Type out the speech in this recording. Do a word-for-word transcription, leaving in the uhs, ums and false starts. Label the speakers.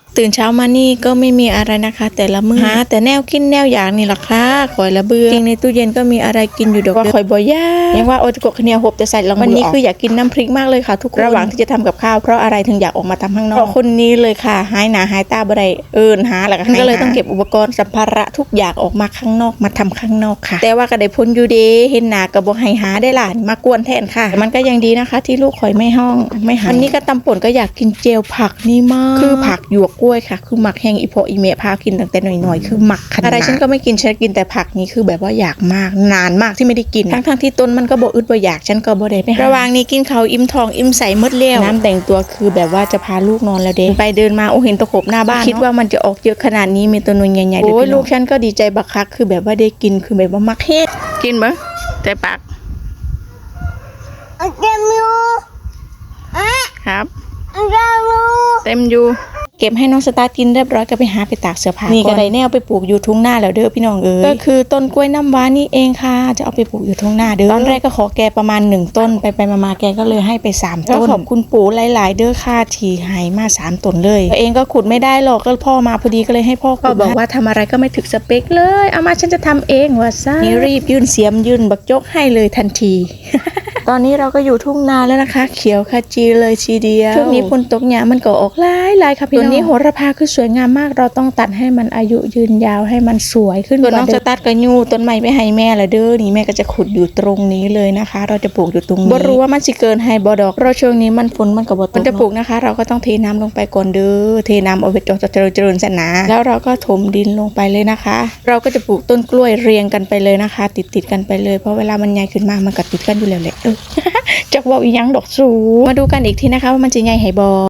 Speaker 1: ตื่นเช้ามานี่ก็ไม่มีอะไรนะคะแต่ละมื้อหาแต่แนวกินแนวอย่างนี่ล่ะค่ะคอยละเบื่อจริงในตู้เย็นก็มีอะไรกินอยู่ดอกว่าคอยบ่ยากยังว่าโอจะกดขะเนียวหบแต่ใส่ลองวันนี้คืออยากกินน้ำพริกมากเลยค่ะทุกคนระหว่างที่จะทำกับข้าวเพราะอะไรถึงอยากออกมาทำข้างนอกเพราะคนนี้เลยค่ะหายหนาหายตาบ่ได้เอิ้นหาแล้วก็เลยต้องเก็บอุปกรณ์สัมภาระทุกอย่างออกมาข้างนอกมาทำข้างนอกค่ะแต่ว่าก็ได้พ้นอยู่เด้เห็นหน้าก็บ่ให้หาได้ล่ะมากวนแทนค่ะมันก็ยังดีนะคะที่ลูกข่อยไม่ห้องไม่หาวันนี้ก็ตำป่นก็อยากกินเจลผักนี่มากคือผักหยวกกล้วยค่ะคือหมักแห้งอีพออีเมะพากินตั้งแต่หน่อยๆคือหมักขนาดอะไรฉันก็ไม่กินฉันกินแต่ผักนี้คือแบบว่าอยากมากนานมากที่ไม่ได้กินทั้งๆที่ต้นมันก็บ่อึดบ่อยากฉันก็บ่ได้ไประหว่างนี้กินข้าวอิ่มท้องอิ่มใสหมดแล้วน้ำแต่งตัวคือแบบว่าจะพาลูกนอนแล้วเด้ไปเดินมาโอ้เห็นตะขบหน้าบ้านคิดว่ามันจะออกเยอะขนาดนี้มีตัวนุ่นใหญ่ๆโอ้ยลูกฉันก็ดีใจบักคักคือแบบว่าได้กินคือแบบว่ามักเฮ็ดกินบ่แต่ปาก
Speaker 2: เต็มอยู่อ่ะ
Speaker 1: ครับ
Speaker 2: เต็มอยู่
Speaker 1: เต็มอยู่เก็บให้น้องสตาร์กินเรียบร้อยก็ไปหาไปตากเสื้อผ้านี่ก็ได้แนวไปปลูกอยู่ทุ่งนาแล้วเด้อพี่น้องเอ๋ยก็คือต้นกล้วยน้ำว้านี่เองค่ะจะเอาไปปลูกอยู่ทุ่งนาเด้อตอนแรกก็ขอแกประมาณหนึ่งต้นไปไปมาๆแกก็เลยให้ไปสามต้นขอบคุณปู่หลายๆเด้อค่ะที่ให้มาสามต้นเลยตัวเองก็ขุดไม่ได้หรอกก็พ่อมาพอดีก็เลยให้พ่อก็บอกว่าทำอะไรก็ไม่ถึกสเปคเลยเอามาฉันจะทำเองว่าซะนี่รีบยื่นเสียมยื่นบักจกให้เลยทันที ตอนนี้เราก็อยู่ทุ่งนาแล้วนะคะเขียวขจีเลยทีเดียวช่วงนี้ฝนตกเนี่ยมันก็ออกหลายหลายค่ะพี่น้องตัวนี้โหระพาคือสวยงามมากเราต้องตัดให้มันอายุยืนยาวให้มันสวยขึ้นตัวน้องจะตัดกระยูต้นไม้ไปให้แม่ละเด้อนี่แม่ก็จะขุดอยู่ตรงนี้เลยนะคะ เราจะปลูกอยู่ตรงนี้บ่รู้ว่ามันสิเกินให้บ่ดอกเพราะช่วงนี้มันฝนมันก็บ่ตกมันจะปลูกนะคะ เราก็ต้องเทน้ำลงไปก่อนเด้อเทน้ำเอาไว้จนจะเจริญเจริญสนาแล้วเราก็ถมดินลงไปเลยนะคะ เราก็จะปลูกต้นกล้วยเรียงกันไปเลยนะคะ ติดติดกันไปเลยเพราะเวลามันใหญ่ขึ้นมามันก็ติดกันอยู่แล้วแหละเออ จักว่าอีหยังดอกสูมาดูกันอีกทีนะคะว่ามันจะใหญ่ให้บ่